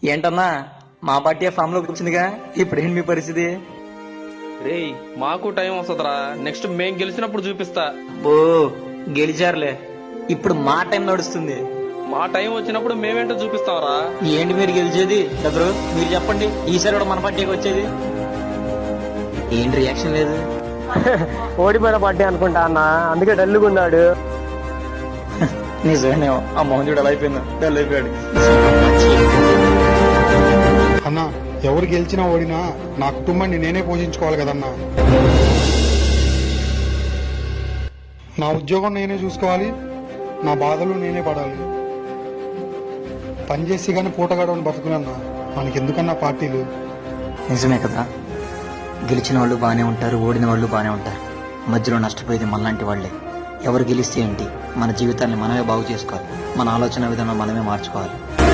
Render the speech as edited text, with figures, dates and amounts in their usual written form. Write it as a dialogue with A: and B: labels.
A: ఏంటన్నా మా party form లోకి వచ్చిందిగా ఇప్పుడేంటి మీ పరిస్థితి?
B: రేయ్ మాకు టైం వస్తుందిరా, నెక్స్ట్ మేం గెలిచినప్పుడు చూపిస్తా.
A: ఓ గెలిచారులే, ఇప్పుడు మా టైం నడుస్తుంది.
B: మా టైం వచ్చినప్పుడు మేమేంటో చూపిస్తాంరా.
A: ఏంటి మీరు గెలిచేది? బ్రదరు మీరు చెప్పండి, ఈసారి కూడా మన పార్టీకి వచ్చేది ఏంటి? రియాక్షన్ లేదు.
C: ఓడిపోయిన పార్టీ అనుకుంటా అన్న, అందుకే డల్లుగా ఉన్నాడు.
A: నిజమే, ఆ మోహన్ చూడు ఎలా అయిపోయిందో, డల్ అయిపోయాడు.
D: అన్నా, ఎవరు గెలిచినా ఓడినా నా కుటుంబాన్ని నేనే పోషించుకోవాలి కదన్నా. నా ఉద్యోగం నేనే చూసుకోవాలి, నా బాధలు నేనే పడాలి. పనిచేసి కానీ పూట గడవని బతుకునన్నా, మనకెందుకన్నా పార్టీలు?
A: నిజమే కదా, గెలిచిన వాళ్ళు బాగానే ఉంటారు, ఓడిన వాళ్ళు బాగానే ఉంటారు, మధ్యలో నష్టపోయేది మనలాంటి వాళ్లే. ఎవరు గెలిస్తే ఏంటి, మన జీవితాన్ని మనమే బాగు చేసుకోవాలి, మన ఆలోచన విధానం మనమే మార్చుకోవాలి.